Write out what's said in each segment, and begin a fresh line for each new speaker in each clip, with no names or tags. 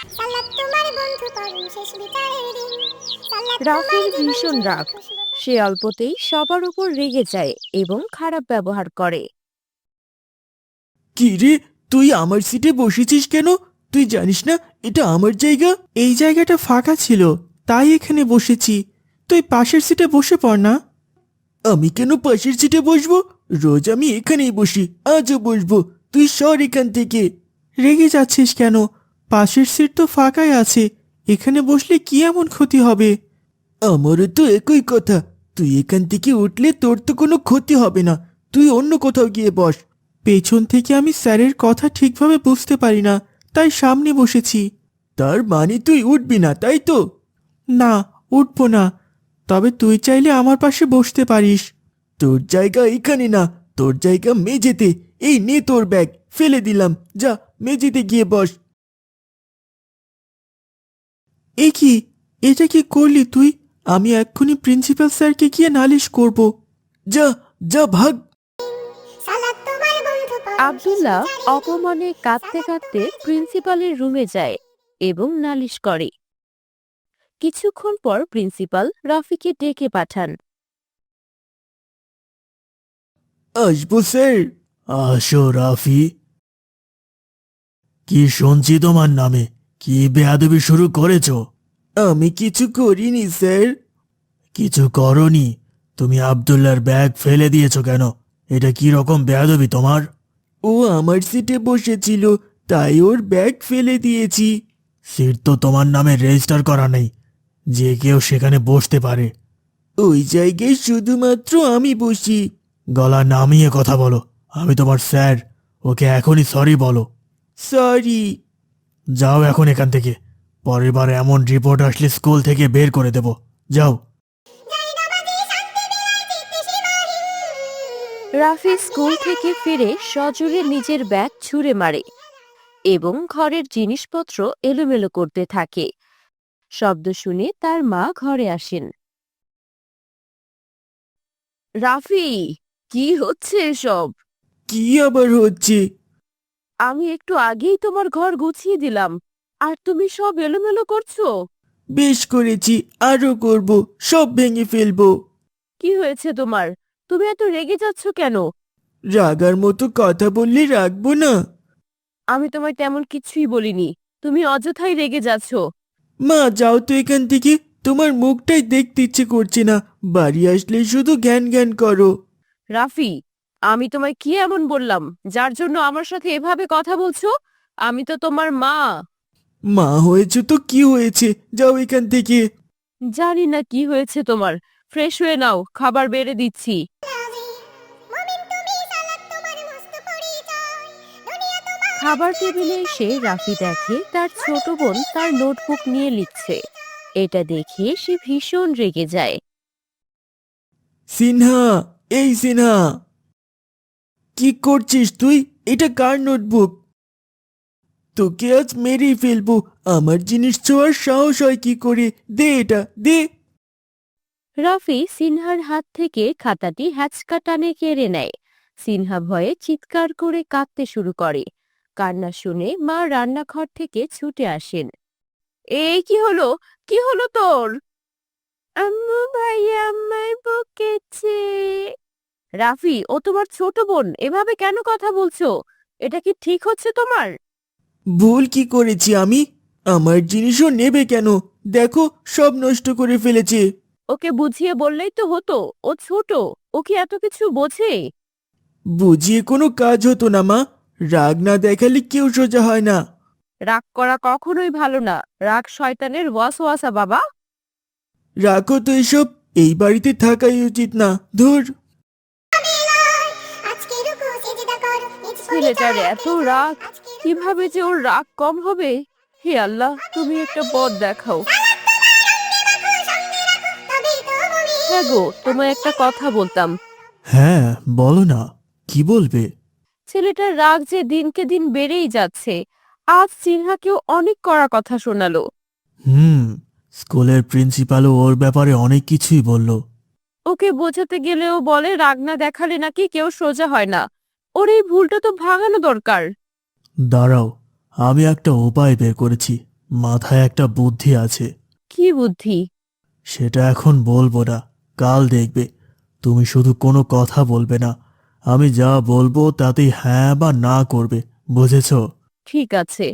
রাফির ভীষণ রাগ। সে অল্পতেই সবার উপর রেগে যায় এবং খারাপ ব্যবহার করে।
কি রে, তুই আমার সিটে বসেছিস কেন? তুই জানিস না এটা আমার জায়গা? এই জায়গাটা ফাঁকা ছিল, তাই এখানে বসেছি। তুই পাশের সিটে বসে পড় না। আমি কেন পাশের সিটে বসবো? রোজ আমি এখানেই বসি, আজও বসবো। তুই সর এখান থেকে। রেগে যাচ্ছিস কেন? পাশের সিট তো ফাঁকাই আছে, এখানে বসলে কি এমন ক্ষতি হবে? আমারও তো একই কথা। তুই এখান থেকে উঠলে তোর তো কোনো ক্ষতি হবে না। তুই অন্য কোথাও গিয়ে বস। পেছন থেকে আমি স্যারের কথা ঠিকভাবে বুঝতে পারি না, তাই সামনে বসেছি। তার মানে তুই উঠবি না, তাই তো? না, উঠবো না। তবে তুই চাইলে আমার পাশে বসতে পারিস। তোর জায়গা এখানে না, তোর জায়গা মেঝেতে। এই নে তোর ব্যাগ, ফেলে দিলাম। যা, মেঝেতে গিয়ে বস। এ কি? এটা কি করলি তুই? আমি এক্ষুনি প্রিন্সিপাল স্যারকে গিয়ে নালিশ করব। যা, যা ভাগ।
আব্দুল্লাহ অপমানে কাঁদতে কাঁদতে প্রিন্সিপালের রুমে যায় এবং নালিশ করে। কিছুক্ষণ পর প্রিন্সিপাল রাফিকে ডেকে পাঠান।
আসবো স্যার? আসো রাফি। কি শুনছি তোমার নামে? কি বেয়াদবি শুরু করেছো? আমি কিছু করিনি স্যার। কিছু করনি? তুমি আব্দুল্লাহর ব্যাগ ফেলে দিয়েছো কেন? এটা কি রকম বেয়াদবি তোমার? ও আমার সিটে বসেছিল, তাই ওর ব্যাগ ফেলে দিয়েছি। সিট তো তোমার নামে রেজিস্টার করা নেই, যে কেউ সেখানে বসতে পারে। ওই জায়গায় শুধুমাত্র আমি বসি। গলা নামিয়ে কথা বলো, আমি তোমার স্যার। ওকে এখনই সরি বলো। সরি। যাও এখন এখান থেকে। পরের বার এমন রিপোর্ট আসলে স্কুল থেকে বের করে দেব। যাও।
রাফি স্কুল থেকে ফিরে সজোরে নিজের ব্যাগ ছুঁড়ে মারে এবং ঘরের জিনিসপত্র এলোমেলো করতে থাকে। শব্দ শুনে তার মা ঘরে আসেন। রাফি, কি হচ্ছে এসব?
কি আবার হচ্ছে?
আমি একটু আগেই তোমার ঘর গুছিয়ে দিলাম, আর তুমি সব এলোমেলো করছো।
বেশ করেছি, আরো করব। সব ভেঙে ফেলবো।
কি হয়েছে তোমার? তুমি এত রেগে যাচ্ছ কেন?
রাগার মতো কথা বললে রাখবো না?
আমি তোমায় তেমন কিছুই বলিনি, তুমি অযথাই রেগে যাচ্ছ।
মা, যাও তো এখান থেকে। তোমার মুখটাই দেখতে ইচ্ছে করছে না। বাড়ি আসলে শুধু জ্ঞান জ্ঞান করো।
রাফি, আমি তোমায় কি এমন বললাম যার জন্য আমার সাথে এভাবে কথা বলছো? আমি তো তোমার মা।
মা হয়েছে তো কি হয়েছে? যাও এখান থেকে।
জানি না কি হয়েছে তোমার। ফ্রেশ হয়ে নাও, খাবার বেড়ে দিচ্ছি। খাবার টেবিলে এসে রাফি দেখে তার ছোট বোন তার নোটবুক নিয়ে লিখছে। এটা দেখে সে ভীষণ রেগে যায়।
সিনহা, এই সিনহা, কি করছিস তুই? এটা কার নোটবুক? তোকে আজ মেরেই ফেলবো। আমার জিনিস ছোঁয়ার সাহস হয় কি করে? দে এটা, দে।
রাফি সিনহার হাত থেকে খাতাটি হ্যাচকা টানে কেড়ে নেয়। সিনহা ভয়ে চিৎকার করে কাঁদতে শুরু করে। কান্না শুনে মা রান্নাঘর থেকে ছুটে আসেন। এই কি হলো? কি হলো তোর? আম্মু ভাইয়া আমায় বকেছে। রাফি, ও তোমার ছোট বোন, এভাবে কেন কথা বলছো? এটা কি ঠিক হচ্ছে তোমার?
ভুল কি করেছি আমি? আমার জিনিসও নেবে কেন? দেখো, সব নষ্ট করে ফেলেছে।
ওকে বুঝিয়ে বললেই তো হতো, ও ছোট, ও কি এত কিছু বোঝে?
বুঝিয়ে কোনো কাজ হতো না মা। রাগ না দেখালে কেউ সোজা হয় না।
রাগ করা কখনোই ভালো না। রাগ শয়তানের ওয়াসওয়াসা বাবা।
রাখো তো এসব। এই বাড়িতে থাকাই উচিত না। ধুর।
ছেলেটার এত রাগ, কিভাবে যে ওর রাগ কম হবে? হে আল্লাহ, তুমি একটা পথ দেখাও। হ্যাঁ গো, তোমায় একটা কথা বলতাম।
হ্যাঁ, বলো না। কি বলবে?
ছেলেটার রাগ যে দিনকে দিন বেড়েই যাচ্ছে। আজ সিনহাকেও অনেক কড়া কথা শোনালো।
হুম, স্কুলের প্রিন্সিপালও ওর ব্যাপারে অনেক কিছুই বলল।
ওকে বোঝাতে গেলেও বলে রাগ না দেখালে নাকি কেউ সোজা হয় না। ওর এই ভুলটা তো ভাঙানো দরকার।
দাঁড়াও, আমি একটা উপায় বের করেছি। মাথায় একটা বুদ্ধি আছে।
কি বুদ্ধি?
সেটা এখন বলবো না, কাল দেখবে। তুমি শুধু কোনো কথা বলবে না, আমি যা বলবো তাতেই হ্যাঁ বা না করবে, বুঝেছো?
ঠিক আছে।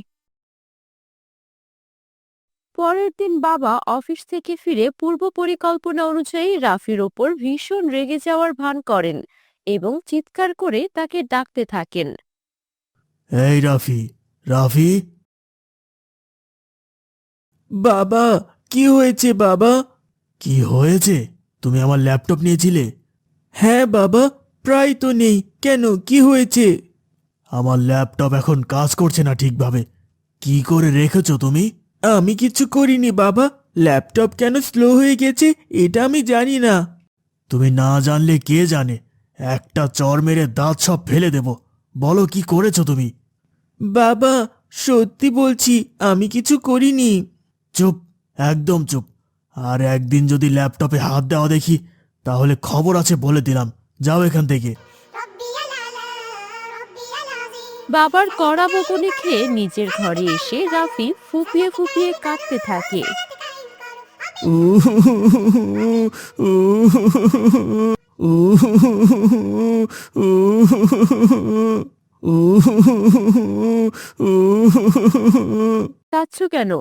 পরের দিন বাবা অফিস থেকে ফিরে পূর্ব পরিকল্পনা অনুযায়ী রাফির ওপর ভীষণ রেগে যাওয়ার ভান করেন এবং চিৎকার করে তাকে ডাকতে থাকেন।
এই রাফি, রাফি। বাবা, কি হয়েছে বাবা? কি হয়েছে? তুমি আমার ল্যাপটপ নিয়েছিলে? হ্যাঁ বাবা, প্রায় তো নেই, কেন কি হয়েছে? আমার ল্যাপটপ এখন কাজ করছে না ঠিকভাবে। কি করে রেখেছো তুমি? আমি কিছু করিনি বাবা, ল্যাপটপ কেন স্লো হয়ে গেছে এটা আমি জানি না। তুমি না জানলে কে জানে, একটা চড় মেরে দাঁত সব ফেলে দেব। বলো কি করেছো তুমি? বাবা, সত্যি বলছি, আমি কিছু করিনি। চুপ, একদম চুপ। আর একদিন যদি ল্যাপটপে হাত দেওয়া দেখি, তাহলে খবর আছে বলে দিলাম। যাও এখান থেকে।
বাবার কড়া বকুনি খেয়ে নিজের ঘরে এসে রাফি ফুপিয়ে ফুপিয়ে কাঁদতে থাকে। কাঁদছো কেন?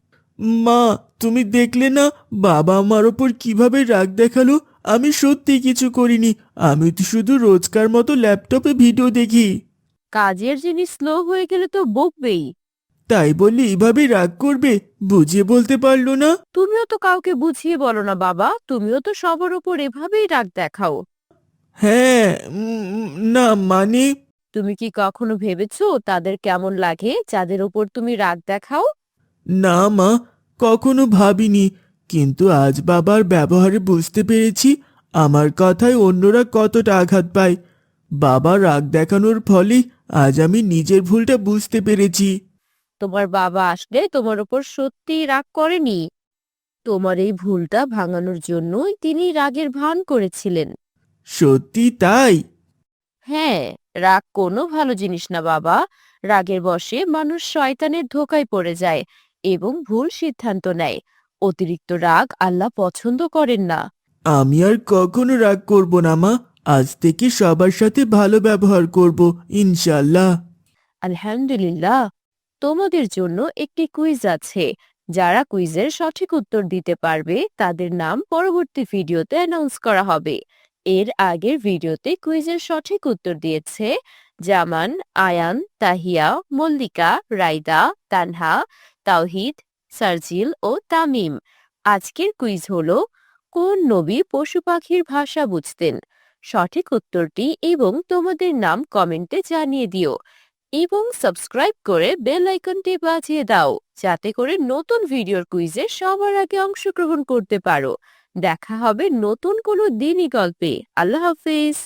মা, তুমি দেখলে না বাবা আমার ওপর কিভাবে রাগ দেখালো? আমি সত্যি কিছু করিনি, আমি তো শুধু রোজকার মতো ল্যাপটপে ভিডিও দেখি।
কাজের জিনিস স্লো হয়ে গেলে তো বকবেই।
তাই বললে এভাবে রাগ করবে? বুঝিয়ে বলতে পারলো না?
তুমিও তো কাউকে বুঝিয়ে বলো না বাবা, তুমিও তো সবার উপর এভাবেই রাগ দেখাও।
হ্যাঁ, না মানে।
তুমি কি কখনো ভেবেছো তাদের কেমন লাগে যাদের উপর তুমি রাগ দেখাও?
না মা, কখনো ভাবিনি, কিন্তু আজ বাবার ব্যবহারে বুঝতে পেরেছি আমার কথায় অন্যরা কতটা আঘাত পায়। বাবা রাগ দেখানোর ফলে আজ আমি নিজের ভুলটা বুঝতে পেরেছি।
তোমার বাবা আসলে তোমার উপর সত্যিই রাগ করেনি। তোমার এই ভুলটা ভাঙানোর জন্যই তিনি রাগের ভান করেছিলেন।
সত্যি তাই?
হ্যাঁ, রাগ কোনো ভালো জিনিস না বাবা। রাগের বশে মানুষ শয়তানের ধোঁকায় পড়ে যায় এবং ভুল সিদ্ধান্ত নেয়। অতিরিক্ত রাগ আল্লাহ পছন্দ করেন না।
আমি আর কখনো রাগ করব না মা, আজ থেকে সবার সাথে ভালো ব্যবহার করব, ইনশাল্লাহ।
আলহামদুলিল্লাহ। তোমাদের জন্য একটি কুইজ আছে। যারা কুইজের সঠিক উত্তর দিতে পারবে তাদের নাম পরবর্তী ভিডিওতে অ্যানাউন্স করা হবে। এর আগের ভিডিওতে কুইজের সঠিক উত্তর দিয়েছে জামান, আয়ান, তাহিয়া, মল্লিকা, রাইদা, তানহা, তাওহিদ, সার্জিল ও তামিম। আজকের কুইজ হলো, কোন নবী পশু পাখির ভাষা বুঝতেন? সঠিক উত্তরটি এবং তোমাদের নাম কমেন্টে জানিয়ে দিও এবং সাবস্ক্রাইব করে বেল আইকনটি বাজিয়ে দাও যাতে করে নতুন ভিডিওর কুইজে সবার আগে অংশগ্রহণ করতে পারো। দেখা হবে নতুন কোনো দিনই গল্পে। আল্লাহ হাফিজ।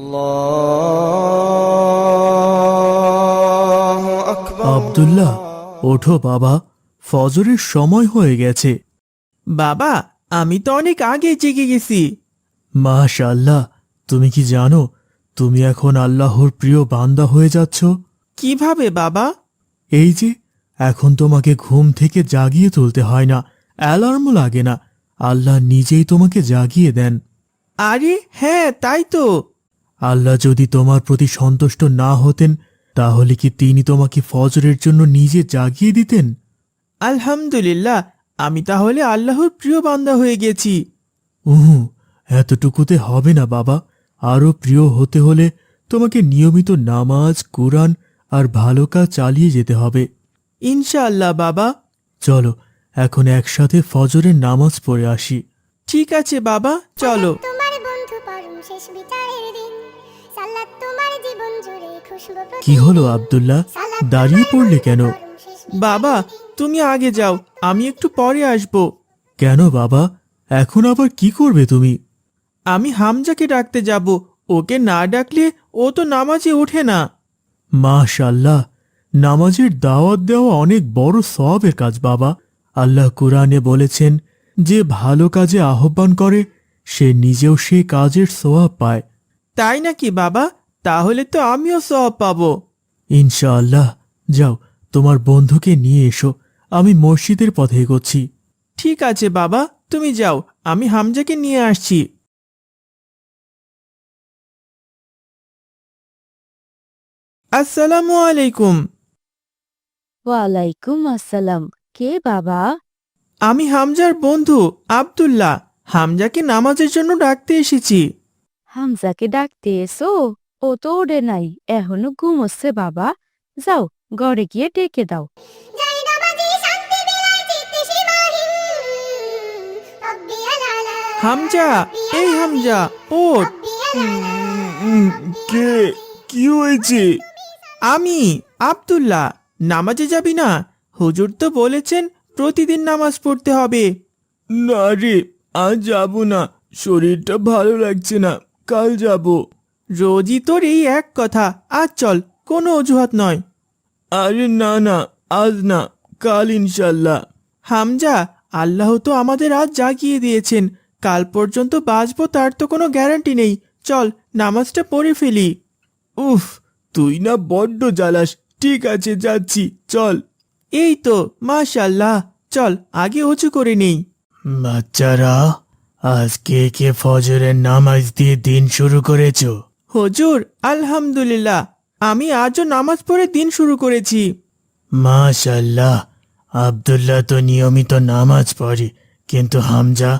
আব্দুল্লাহ, ওঠো বাবা, ফজরের সময় হয়ে গেছে। বাবা, আমি তো অনেক আগে জেগে গেছি। মাশাআল্লাহ, তুমি কি জানো তুমি এখন আল্লাহর প্রিয় বান্দা হয়ে যাচ্ছ? কিভাবে বাবা? এই যে, এখন তোমাকে ঘুম থেকে জাগিয়ে তুলতে হয় না, অ্যালার্মও লাগে না, আল্লাহ নিজেই তোমাকে জাগিয়ে দেন। আরে হ্যাঁ, তাই তো। আল্লাহ যদি তোমার প্রতি সন্তুষ্ট না হতেন, তাহলে কি তিনি তোমাকে ফজরের জন্য নিজে জাগিয়ে দিতেন? আলহামদুলিল্লাহ, আমি তাহলে আল্লাহর প্রিয় বান্দা হয়ে গেছি। এতটুকুতে হবে না বাবা, আরো প্রিয় হতে হলে তোমাকে নিয়মিত নামাজ, কুরআন আর ভালো কাজ চালিয়ে যেতে হবে। ইনশাআল্লাহ বাবা। চলো এখন একসাথে ফজরের নামাজ পড়ে আসি। ঠিক আছে বাবা, চলো।
তোমার বন্ধু পরম শেষ বিচারের দিন সালাত তোমার জীবন জুড়ে খুশবু
কি হলো আব্দুল্লাহ, দাঁড়িয়ে পড়লে কেন?
বাবা,
তুমি আগে যাও, আমি একটু পরে আসব। কেন বাবা, এখন আবার কি করবে তুমি? আমি হামজাকে ডাকতে যাব, ওকে না ডাকলে ও তো নামাজে ওঠে না। মাশাআল্লাহ, নামাজের দাওয়াত দেওয়া অনেক বড় সওয়াবের কাজ বাবা। আল্লাহ কুরআনে বলেছেন, যে ভালো কাজে আহ্বান করে সে নিজেও সেই কাজের সওয়াব পায়। তাই নাকি বাবা? তাহলে তো আমিও সওয়াব পাবো। ইনশাআল্লাহ। যাও, তোমার বন্ধুকে নিয়ে এসো, আমি মসজিদের পথে এগোচ্ছি। ঠিক আছে বাবা, তুমি যাও, আমি হামজাকে নিয়ে আসছি। আসসালামু আলাইকুম।
ওয়ালাইকুম আসসালাম। কে বাবা?
আমি হামজার বন্ধু আব্দুল্লাহ। হামজাকে নামাজের জন্য ডাকতে এসেছি।
হামজাকে ডাকতে এসো? ও তো ওঠে নাই, এখনো ঘুমোচ্ছে বাবা। যাও, ঘরে গিয়ে ডেকে দাও।
যাই নামাজি শান্তি বিলায় চিত্তে সীমাহীন রব্বিয়াল আলা
হামজা, এই হামজা, ওঠ।
রব্বিয়াল আলা
কে? কি হয়েছে? আমি আব্দুল্লাহ। নামাজে যাবি না? হুজুর তো বলেছেন প্রতিদিন নামাজ পড়তে হবে। না রে, আজ যাব না, শরীরটা ভালো লাগছে না, কাল যাব। রোজই তোর এই এক কথা, আজ চল, কোনো অজুহাত নয়। আরে না না, আজ না, কাল ইনশাল্লাহ। হামজা, আল্লাহ তো আমাদের আজ জাগিয়ে দিয়েছেন, কাল পর্যন্ত বাঁচবো তার তো কোনো গ্যারান্টি নেই। চল, নামাজটা পড়ে ফেলি। উফ, তুই না বড্ড জ্বালাস। ঠিক আছে, যাচ্ছি, চল। এই তো, মাশাআল্লাহ, চল আগে উঁচু করে নেই। বাচ্চারা, আজকে কে ফজরের নামাজ দিয়ে দিন শুরু করেছো? হুজুর, আলহামদুলিল্লাহ, আমি আজও নামাজ পড়ে দিন শুরু করেছি। মাশাআল্লাহ, আব্দুল্লাহ তো নিয়মিত নামাজ পড়ে, কিন্তু হামজা?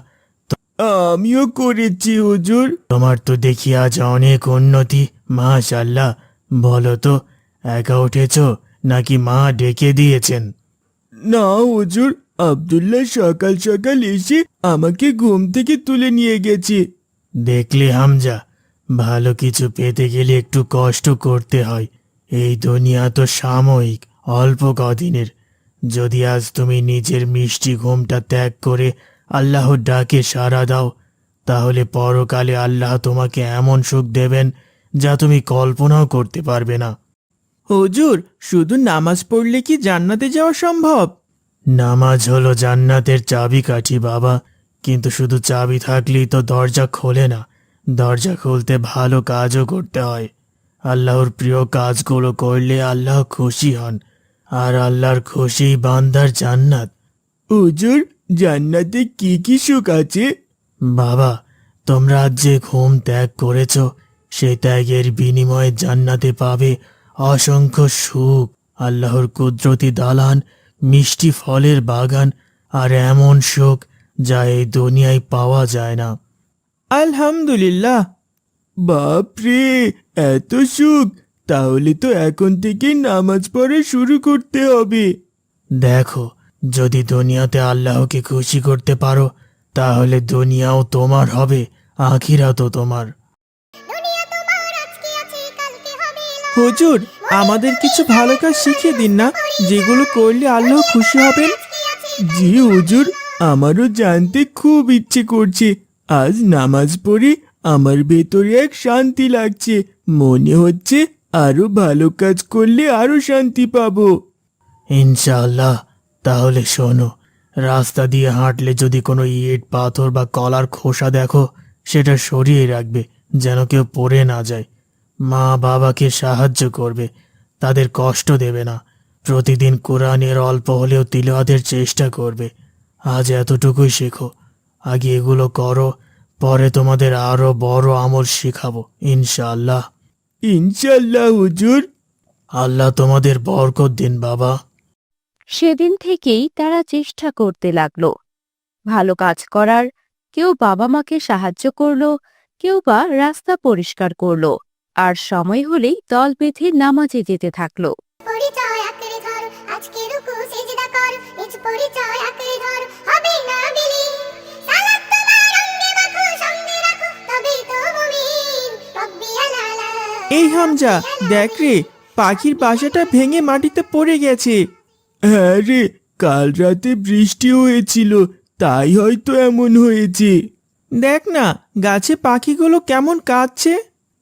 আমিও করেছি হুজুর। তোমার তো দেখি আজ অনেক উন্নতি, মাশাআল্লাহ। বলো তো, একা উঠেছো নাকি মা ডেকে দিয়েছেন? না হুজুর, আব্দুল্লাহ সকাল সকাল এসে আমাকে ঘুম থেকে তুলে নিয়ে গেছে। দেখলে হামজা, ভালো কিছু পেতে গেলে একটু কষ্ট করতে হয়। এই দুনিয়া তো সাময়িক, অল্প কদিনের। যদি আজ তুমি নিজের মিষ্টি ঘুমটা ত্যাগ করে আল্লাহর ডাকে সাড়া দাও, তাহলে পরকালে আল্লাহ তোমাকে এমন সুখ দেবেন যা তুমি কল্পনাও করতে পারবে না। হুজুর, শুধু নামাজ পড়লে কি জান্নাতে যাওয়া সম্ভব? নামাজ হলো জান্নাতের চাবিকাঠি বাবা, কিন্তু শুধু চাবি থাকলেই তো দরজা খোলে না। দরজা খুলতে ভালো কাজও করতে হয়। আল্লাহর প্রিয় কাজগুলো করলে আল্লাহ খুশি হন, আর আল্লাহর খুশি বান্দার জান্নাত। হুজুর, জান্নাতে কি কি সুখ আছে? বাবা, তোমরা আজ যে ঘুম ত্যাগ করেছ, সেই ত্যাগের বিনিময়ে জান্নাতে পাবে অসংখ্য সুখ, আল্লাহর কুদরতি দালান, মিষ্টি ফলের বাগান, আর এমন সুখ যা এই দুনিয়ায় পাওয়া যায় না। আলহামদুলিল্লাহ। বাপরে, এত সুখ! তাহলে তো এখন থেকে নামাজ পড়া শুরু করতে হবে। দেখো, যদি দুনিয়াতে আল্লাহকে খুশি করতে পারো, তাহলে দুনিয়াও তোমার হবে, আখিরাতও তোমার।
দুনিয়া তোমার আজকে আছে কালকে হবে না।
হুজুর, আমাদের কিছু ভালো কাজ শিখিয়ে দিন না, যেগুলো করলে আল্লাহ খুশি হবেন। জি হুজুর, আমারও জানতে খুব ইচ্ছে করছে। আজ নামাজ পড়ে আমার ভেতরে এক শান্তি লাগছে, মনে হচ্ছে আরো ভালো কাজ করলে আরো শান্তি পাবো। ইনশাআল্লাহ। তাহলে শোনো, রাস্তা দিয়ে হাঁটলে যদি কোনো ইট, পাথর বা কলার খোসা দেখো, সেটা সরিয়ে রাখবে, যেন কেউ পড়ে না যায়। মা বাবাকে সাহায্য করবে, তাদের কষ্ট দেবে না। প্রতিদিন কোরআনের অল্প হলেও তিলাওয়াতের চেষ্টা করবে। আজ এতটুকুই শেখো, আগে এগুলো করো, পরে তোমাদের আরো বড় আমল শেখাবো ইনশাআল্লাহ। ইনশাআল্লাহ হুজুর। আল্লাহ তোমাদের বরকত দিন বাবা।
সেদিন থেকেই তারা চেষ্টা করতে লাগলো ভালো কাজ করার। কেউ বাবা মাকে সাহায্য করলো, কেউ বা রাস্তা পরিষ্কার করলো, আর সময় হলেই দল বেঁধে নামাজে যেতে থাকলো।
পরিচয় আঁকড়ে ধর, আজকে রুকু সিজদা কর, নিজ পরিচয় আঁকড়ে ধর, হবে না বিলীন। সালাত তোমার অঙ্গে মাখো, সঙ্গে রাখো, তবেই তো মুমিন। রব্বিয়াল আলা।
এই হামজা, দেখ রে, পাখির বাসাটা ভেঙে মাটিতে পড়ে গেছে। হ্যাঁ রে, কাল রাতে বৃষ্টি হয়েছিল, তাই হয়তো এমন হয়েছে। দেখ না, গাছে পাখিগুলো কেমন কাঁদছে।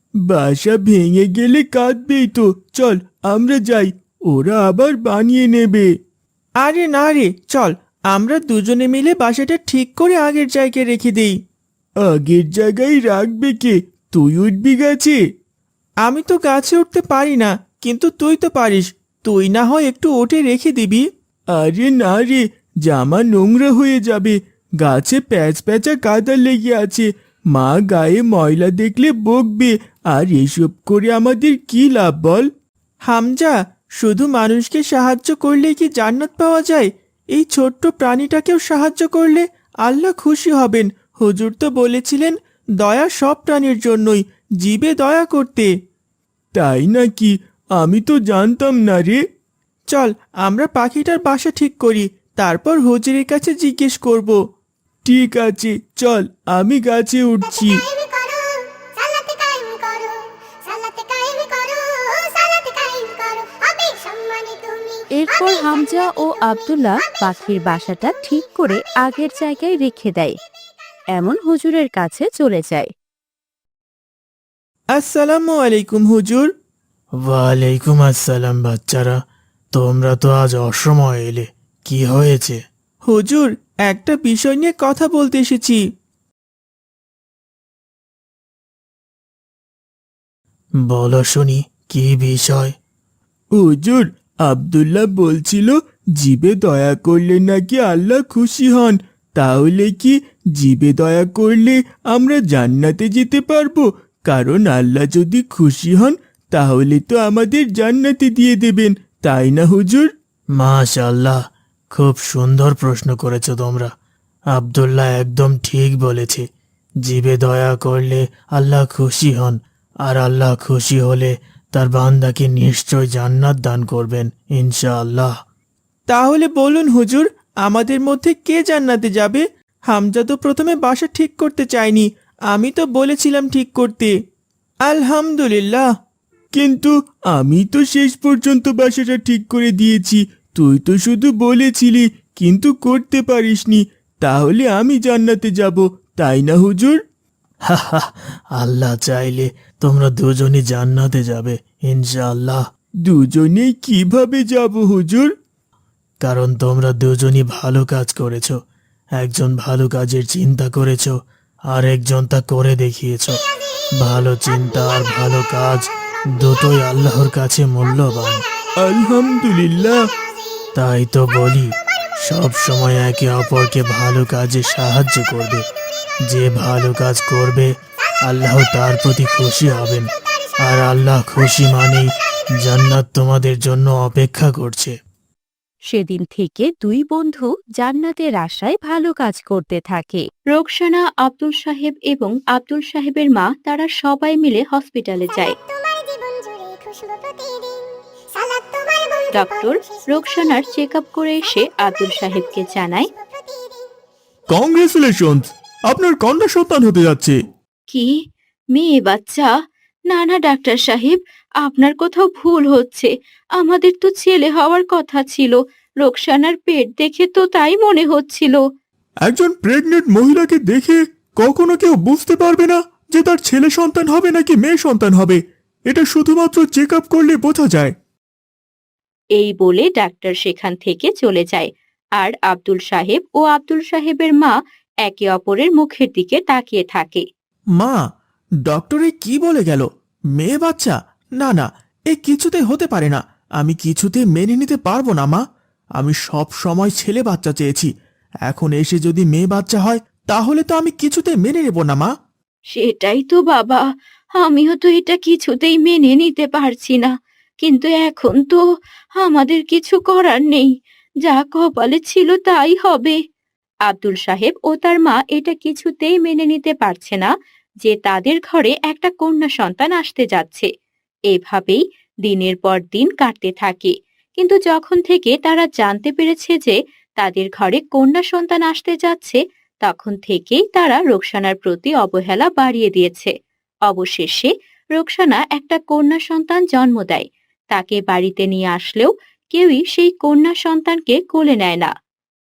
বাসা ভেঙে গেলে কাঁদবেই তো। চল আমরা যাই, ওরা আবার বানিয়ে নেবে। আরে না রে, চল, আমরা দুজনে মিলে বাসাটা ঠিক করে আগের জায়গায় রেখে দেই। আগের জায়গায় রাখবে কে? তুই উঠবি গাছে? আমি তো গাছে উঠতে পারি না, কিন্তু তুই তো পারিস, তুই না হয় একটু ওঠে রেখে দিবি। আরে না রে, জামা নোংরা হয়ে যাবে। গাছে প্যাচ প্যাচা কাদা লেগে আছে। মা গায়ে ময়লা দেখলে বকবে। আর এসব করে আমাদের কি লাভ বল? হামজা, শুধু মানুষকে সাহায্য করলে কি জান্নাত পাওয়া যায়? এই ছোট্ট প্রাণীটাকেও সাহায্য করলে আল্লাহ খুশি হবেন। হুজুর তো বলেছিলেন দয়া সব প্রাণীর জন্যই, জীবে দয়া করতে। তাই নাকি? আমি তো জানতাম না রে। চল আমরা পাখিটার বাসা ঠিক করি, তারপর হুজুরের কাছে জিজ্ঞেস করব। ঠিক আছে, চল আমি গাছে উঠছি।
কায়েম করো, সালাতে কায়েম করো, সালাতে কায়েম করো, সালাতে কায়েম করো, হবে সম্মানে তুমি।
এরপর হামজা ও আব্দুল্লাহ পাখির বাসাটা ঠিক করে আগের জায়গায় রেখে দেয়। এমন হুজুরের কাছে চলে যায়।
আসসালামু আলাইকুম হুজুর। ওয়ালাইকুম আসসালাম বাচ্চারা, তোমরা তো আজ অসময়ে এলে, কি হয়েছে? হুজুর, একটা বিষয় নিয়ে কথা বলতে এসেছি। বলো শুনি, কি বিষয়? হুজুর, আব্দুল্লাহ বলছিল জীবে দয়া করলে নাকি আল্লাহ খুশি হন। তাহলে কি জীবে দয়া করলে আমরা জান্নাতে যেতে পারবো? কারণ আল্লাহ যদি খুশি হন তাহলে তো আমাদের জান্নাতে দিয়ে দেবেন, তাই না হুজুর? মাশাআল্লাহ, খুব সুন্দর প্রশ্ন করেছো তোমরা। আব্দুল্লাহ একদম ঠিক বলেছে। জীবে দয়া করলে আল্লাহ খুশি হন, আর আল্লাহ খুশি হলে তার বান্দাকে নিশ্চয় জান্নাত দান করবেন ইনশাআল্লাহ। তাহলে বলুন হুজুর, আমাদের মধ্যে কে জান্নাতে যাবে? হামজা তো প্রথমে বাসা ঠিক করতে চায়নি, আমি তো বলেছিলাম ঠিক করতে। আলহামদুলিল্লাহ, কিন্তু আমি তো শেষ পর্যন্ত বাসাটা ঠিক করে দিয়েছি। তুই তো শুধু বলেছিলি কিন্তু করতে পারিসনি। তাহলে আমি জান্নাতে যাব, তাই না হুজুর? হাহা, আল্লাহ চাইলে তোমরা দুজনই জান্নাতে যাবে ইনশাআল্লাহ। দুজনেই কিভাবে যাব হুজুর? কারণ তোমরা দুজনই ভালো কাজ করেছো। একজন ভালো কাজের চিন্তা করেছো, আর একজন তা করে দেখিয়েছো। ভালো চিন্তা আর ভালো কাজ দুটোই আল্লাহর কাছে মূল্যবান। আলহামদুলিল্লাহ। তাই তো বলি, সব সময় একে অপরকে ভালো কাজে সাহায্য করবে। যে ভালো কাজ করবে আল্লাহ তার প্রতি খুশি হবেন, আর আল্লাহ খুশি মানেই জান্নাত তোমাদের জন্য অপেক্ষা করছে।
সেদিন থেকে দুই বন্ধু জান্নাতের আশায় ভালো কাজ করতে থাকে। রোকসানা, আব্দুল সাহেব এবং আব্দুল সাহেবের মা তারা সবাই মিলে হসপিটালে যায়।
তোমার জীবন জুড়ে খুশবু প্রতিদিন, সালাত তোমার বন্ধু
ডক্টর রোকসানার চেক আপ করে এসে আব্দুল সাহেবকে জানায়,
কংগ্রেচুলেশনস, আপনার কন্যা সন্তান হতে যাচ্ছে।
কি মেয়ে বাচ্চা? না না ডাক্তার সাহেব, আপনার কোথাও ভুল হচ্ছে। আমাদের তো ছেলে হওয়ার কথা ছিল। রোকসানার পেট দেখে তো তাই মনে হচ্ছিল।
একজন প্রেগনেন্ট মহিলাকে দেখে কখনো কেউ বুঝতে পারবে না যে তার ছেলে সন্তান হবে নাকি মেয়ে সন্তান হবে। এটা শুধুমাত্র চেক আপ করলে বোঝা যায়।
এই বলে ডাক্তার সেখান থেকে চলে যায়। আর আব্দুল সাহেব ও আব্দুল সাহেবের মা একে অপরের মুখের দিকে তাকিয়ে থাকে।
মা, ডক্টরে কি বলে গেল? মেয়ে বাচ্চা? না না, এ কিছুতে হতে পারে না। আমি কিছুতে মেনে নিতে পারবো না মা। আমি সব সময় ছেলে বাচ্চা চেয়েছি, এখন এসে যদি মেয়ে বাচ্চা হয় তাহলে তো আমি কিছুতে মেনে নেব না মা।
সেটাই তো বাবা, আমিও তো এটা কিছুতেই মেনে নিতে পারছি না। কিন্তু এখন তো আমাদের কিছু করার নেই। যা কপালে ছিল তাই হবে। আব্দুল সাহেব ও তার মা এটা কিছুতেই মেনে নিতে পারছে না যে তাদের ঘরে একটা কন্যা সন্তান আসতে যাচ্ছে। এভাবেই দিনের পর দিন কাটতে থাকে। কিন্তু যখন থেকে তারা জানতে পেরেছে যে তাদের ঘরে কন্যা সন্তান আসতে যাচ্ছে, তখন থেকেই তারা রোকসানার প্রতি অবহেলা বাড়িয়ে দিয়েছে। অবশেষে রোকসানা একটা কন্যা সন্তান জন্ম দেয়। তাকে বাড়িতে নিয়ে আসলেও কেউই সেই কন্যা সন্তানকে কোলে নেয় না।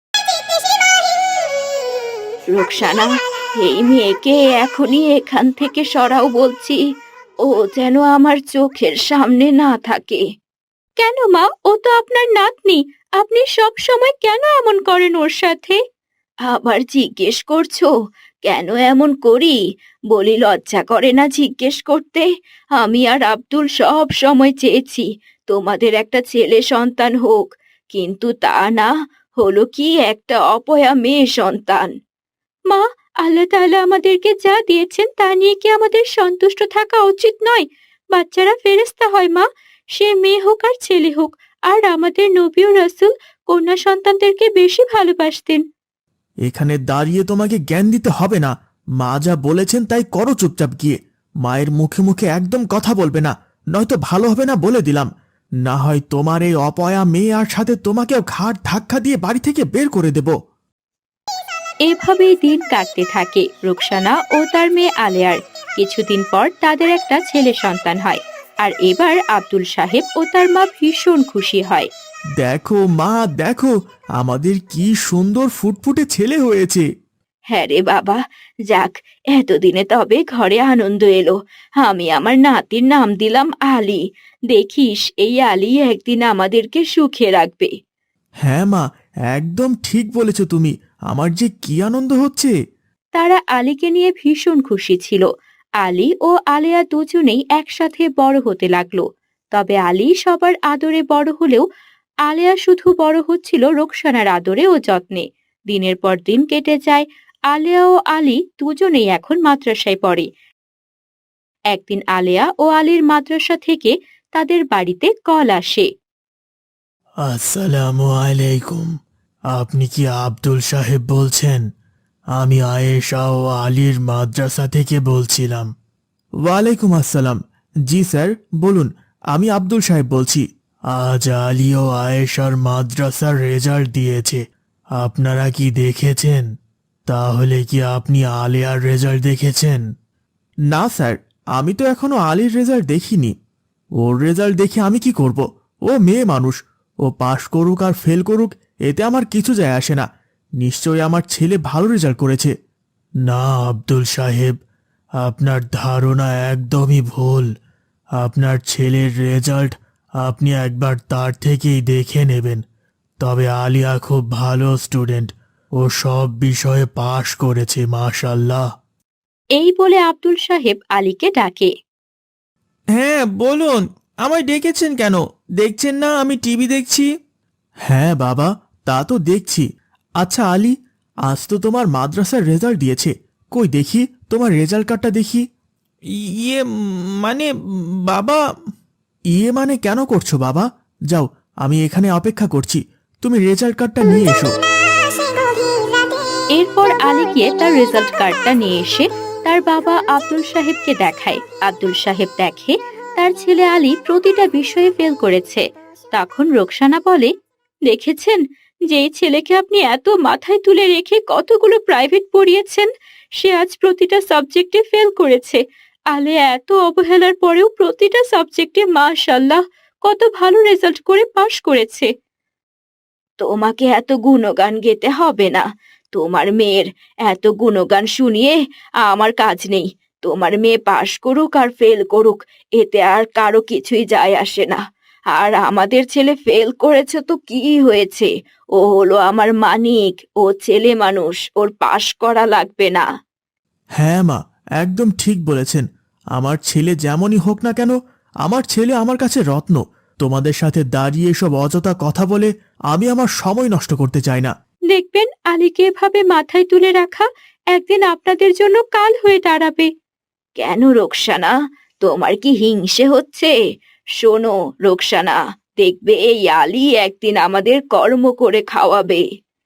রোকসানা, এই মেয়েকে এখনই এখান থেকে সরাও বলছি। ও যেন আমার চোখের সামনে না থাকে। কেন মা, ও তো আপনার নাতনি। আপনি সব সময় কেন এমন করেন ওর সাথে? আবার জিজ্ঞেস করছো কেন এমন করি? বলি লজ্জা করে না জিজ্ঞেস করতে? আমি আর আব্দুল সব সময় চেয়েছি তোমাদের একটা ছেলে সন্তান হোক,
কিন্তু তা না, হলো কি একটা অপয়া মেয়ে সন্তান। মা, আল্লাহ তাআলা আমাদেরকে যা দিয়েছেন তা নিয়ে কি আমাদের সন্তুষ্ট থাকা উচিত নয়? বাচ্চারা ফেরেশতা হয় মা, সে মেয়ে হোক আর ছেলে হোক। আর আমাদের নবী ও রাসূল কন্যা সন্তানদেরকে বেশি ভালোবাসতেন।
এখানে দাঁড়িয়ে তোমাকে জ্ঞান দিতে হবে না। মা যা বলেছেন তাই করো চুপচাপ গিয়ে। মায়ের মুখে মুখে একদম কথা বলবে না, নয়তো ভালো হবে না বলে দিলাম। না হয় তোমার এই অপয়া মেয়ে আর সাথে তোমাকেও ঘাড় ধাক্কা দিয়ে বাড়ি থেকে বের করে দেব।
এভাবেই দিন কাটতে থাকে রুকসানা ও তার মেয়ে আলেয়ার। কিছুদিন পর তাদের একটা ছেলে সন্তান হয়। আর এবার আব্দুল সাহেব ও তার মা ভীষণ খুশি হয়।
দেখো মা, দেখো আমাদের কি সুন্দর ফুটফুটে ছেলে হয়েছে।
হ্যাঁ রে বাবা, যাক, এতদিনে তবে ঘরে আনন্দ এলো। আমি আমার নাতির নাম দিলাম আলী। দেখিস, এই আলী একদিন আমাদেরকে সুখে রাখবে।
হ্যাঁ মা, একদম ঠিক বলেছ তুমি। আমার যে কি আনন্দ হচ্ছে।
তারা আলীকে নিয়ে ভীষণ খুশি ছিল। আলী ও আলেয়া দুজনেই একসাথে বড় হতে লাগলো। তবে আলী সবার আদরে বড় হলেও আলেয়া শুধু বড় হচ্ছিল রোকসানার আদরে ও যত্নে। দিনের পর দিন কেটে যায়। আলেয়া ও আলী দুজনেই এখন মাদ্রাসায় পড়ে। একদিন আলেয়া ও আলীর মাদ্রাসা থেকে তাদের বাড়িতে কল আসে।
আসসালামু আলাইকুম। আপনি কি আব্দুল সাহেব বলছেন? আমি আয়েশা ও আলীর মাদ্রাসা থেকে বলছিলাম। ওয়ালাইকুম আসসালাম। জি স্যার, বলুন, আমি আব্দুল সাহেব বলছি। আজ আলী ও আয়েশার মাদ্রাসার রেজাল্ট দিয়েছে, আপনারা কি দেখেছেন? তাহলে কি আপনি আলিয়ার রেজাল্ট দেখেছেন? না স্যার, আমি তো এখনো আলীর রেজাল্ট দেখিনি। ওর রেজাল্ট দেখে আমি কি করব? ও মেয়ে মানুষ, ও পাশ করুক আর ফেল করুক এতে আমার কিছু যায় আসে না। নিশ্চয়ই আমার ছেলে ভালো রেজাল্ট করেছে। না আব্দুল সাহেব, আপনার ধারণা একদমই ভুল। আপনার ছেলের রেজাল্ট আপনি একবার তার থেকেই দেখে নেবেন। তবে আলিয়া খুব ভালো স্টুডেন্ট, ও সব বিষয়ে পাশ করেছে মাশাআল্লাহ।
এই বলে আব্দুল সাহেব আলীকে ডাকে।
হ্যাঁ বলুন, আমায় ডেকেছেন কেন? দেখছেন না আমি টিভি দেখছি। হ্যাঁ বাবা, তা তো দেখছি। আচ্ছা আলী, আজ তো তোমার মাদ্রাসার রেজাল্ট দিয়েছে, কই দেখি তোমার রেজাল্ট কার্ডটা দেখি। ইয়ে মানে বাবা। ইয়ে মানে কেন করছো বাবা? যাও, আমি এখানে অপেক্ষা করছি, তুমি রেজাল্ট কার্ডটা নিয়ে এসো।
এরপর আলী গিয়ে তার রেজাল্ট কার্ডটা নিয়ে এসে তার বাবা আব্দুল সাহেবকে দেখায়। আব্দুল সাহেব দেখে তার ছেলে আলী প্রতিটা বিষয়ে ফেল করেছে। তখন রোকসানা বলে, দেখেছেন, যেই ছেলেকে আপনি এত মাথায় তুলে রেখে কতগুলো প্রাইভেট পড়িয়েছেন, সে আজ প্রতিটা সাবজেক্টে ফেল করেছে। আলে এত অবহেলার পরেও প্রতিটা সাবজেক্টে মাশাআল্লাহ কত ভালো রেজাল্ট করে পাশ করেছে। তোমাকে এত গুণগান গেতে হবে না। তোমার মেয়ের এত গুণগান শুনিয়ে আমার কাজ নেই। তোমার মেয়ে পাশ করুক আর ফেল করুক, এতে আর কারো কিছুই যায় আসে না। আর আমাদের ছেলে ফেল করেছে তো কি হয়েছে? ও হলো আমার মানিক, ও ছেলে মানুষ, ওর পাশ করা লাগবে না।
হ্যাঁ মা, একদম ঠিক বলেছেন। আমার ছেলে যেমনই হোক না কেন, আমার ছেলে আমার কাছে রত্ন। তোমাদের সাথে দাঁড়িয়ে সব অযথা কথা বলে আমি আমার সময় নষ্ট করতে চাই না।
দেখবেন, আলীকে এভাবে মাথায় তুলে রাখা একদিন আপনাদের জন্য কাল হয়ে দাঁড়াবে। কেন রোকসানা, তোমার কি হিংসে হচ্ছে? শোনো রোকসানা, দেখবে এই আলী একদিন আমাদের কর্ম করে খাওয়াবে।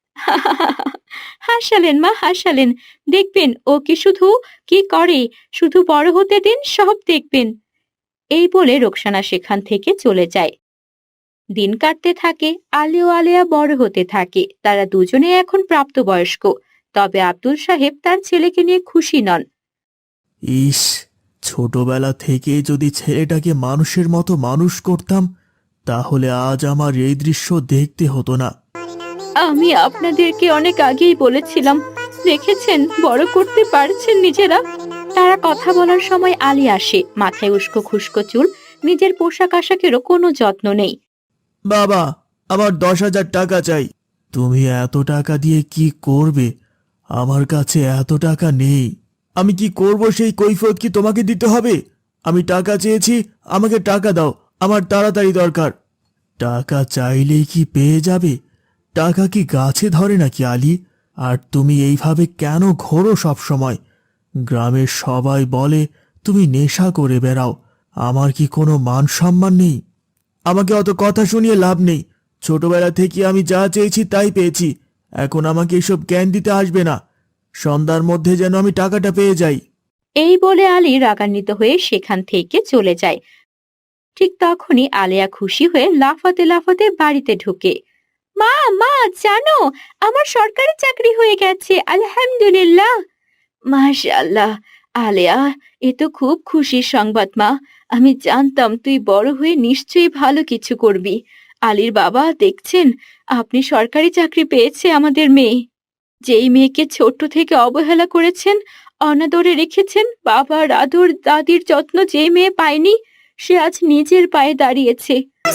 হাসালেন মা, হাসালেন। দেখবেন ও কি শুধু কি করে, শুধু বড় হতে দিন, সব দেখবেন। এই বলে রোকসানা সেখান থেকে চলে যায়। দিন কাটতে থাকে, আলী ও আলেয়া বড় হতে থাকে। তারা দুজনে এখন প্রাপ্তবয়স্ক। তবে আব্দুল সাহেব তার ছেলেকে নিয়ে খুশি নন।
ইস, ছোটবেলা থেকে যদি ছেলেটাকে মানুষের মতো মানুষ করতাম, তাহলে আজ আমার এই দৃশ্য দেখতে হতো না।
আমি আপনাদেরকে অনেক আগেই বলেছিলাম, দেখেছেন, বড় করতে পারছেন নিজেরা। তারা কথা বলার সময় আলী আসে, মাথায় উস্কো খুস্কো চুল, নিজের পোশাক আশাকেরও কোনো যত্ন নেই।
বাবা, আমার 10,000 টাকা চাই। তুমি এত টাকা দিয়ে কি করবে? আমার কাছে এত টাকা নেই। আমি কি করব সেই কৈফিয়ত কি তোমাকে দিতে হবে? আমি টাকা চেয়েছি, আমাকে টাকা দাও, আমার তাড়াতাড়ি দরকার। টাকা চাইলেই কি পেয়ে যাবে? টাকা কি গাছে ধরে নাকি আলী? আর তুমি এইভাবে কেন ঘোরো সব সময়? গ্রামের সবাই বলে তুমি নেশা করে বেড়াও। আমার কি কোনো মান সম্মান নেই? আমাকে অত কথা শুনিয়ে লাভ নেই। ছোটবেলা থেকে আমি যা চেয়েছি তাই পেয়েছি। এখন আমাকে এসব জ্ঞান দিতে আসবে না। সন্ধ্যার মধ্যে যেন আমি টাকাটা পেয়ে যাই।
এই বলে আলী রাগান্বিত হয়ে সেখান থেকে চলে যায়। ঠিক তখনই আলেয়া খুশি হয়ে লাফাতে লাফাতে বাড়িতে ঢোকে। মা মা, জানো আমার সরকারি চাকরি হয়ে গেছে, আলহামদুলিল্লাহ। মাশাআল্লাহ আলেয়া, এ তো খুব খুশির সংবাদ মা। আমি জানতাম তুই বড় হয়ে নিশ্চয়ই ভালো কিছু করবি। আলীর বাবা দেখছেন, আপনি সরকারি চাকরি পেয়েছে আমাদের মেয়ে। যেই মেয়েকে ছোট থেকে অবহেলা করেছেন, অনাদরে রেখেছেন, বাবার আদর দাদির যত্ন যেই মেয়ে পায়নি, সে আজ নিজের পায়ে দাঁড়িয়েছে।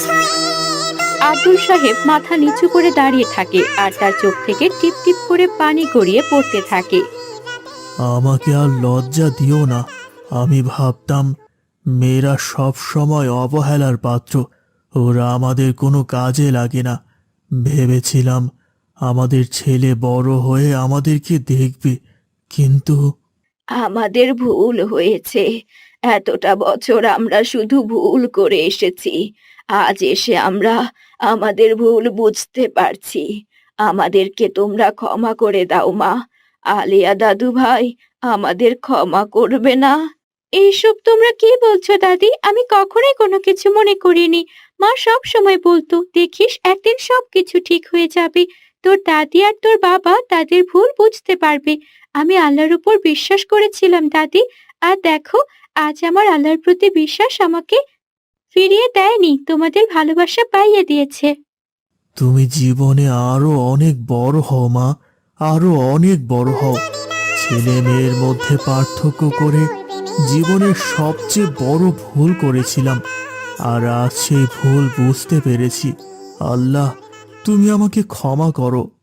আব্দুল সাহেব মাথা নিচু করে দাঁড়িয়ে থাকে আর তার চোখ থেকে টিপ টিপ করে পানি গড়িয়ে পড়তে থাকে।
আমাকে আর লজ্জা দিও না। আমি ভাবতাম মেয়েরা সব সময় অবহেলার পাত্র, ওরা আমাদের কোনো কাজে লাগে না। ভেবেছিলাম আমাদের ছেলে বড় হয়ে আমাদেরকে দেখবে, কিন্তু
আমাদের ভুল হয়েছে। এতটা বছর আমরা শুধু ভুল করে এসেছি। আজ এসে আমরা আমাদের ভুল বুঝতে পারছি। আমাদেরকে তোমরা ক্ষমা করে দাও মা। আলিয়া দাদু ভাই, আমাদের ক্ষমা করবে না? এইসব তোমরা কি বলছো দাদি? আমি কখনোই কোনো কিছু মনে করিনি। মা সব সময় বলতো, দেখিস একদিন সবকিছু ঠিক হয়ে যাবে। তোর দাদি আর তোর বাবা তাদের ভুল বুঝতে পারবে। আমি আল্লাহর উপর বিশ্বাস করেছিলাম দাদি, আর দেখো আজ আমার আল্লাহর প্রতি বিশ্বাস আমাকে ফিরিয়ে দেয়নি, তোমাদের ভালোবাসা পাইয়ে দিয়েছে।
তুমি জীবনে আরো অনেক বড় হও মা, আরো অনেক বড় হও। ছেলে মেয়ের মধ্যে পার্থক্য করে জীবনের সবচেয়ে বড় ভুল করেছিলাম, আর আজ সেই ভুল বুঝতে পেরেছি। আল্লাহ, তুমি আমাকে ক্ষমা করো।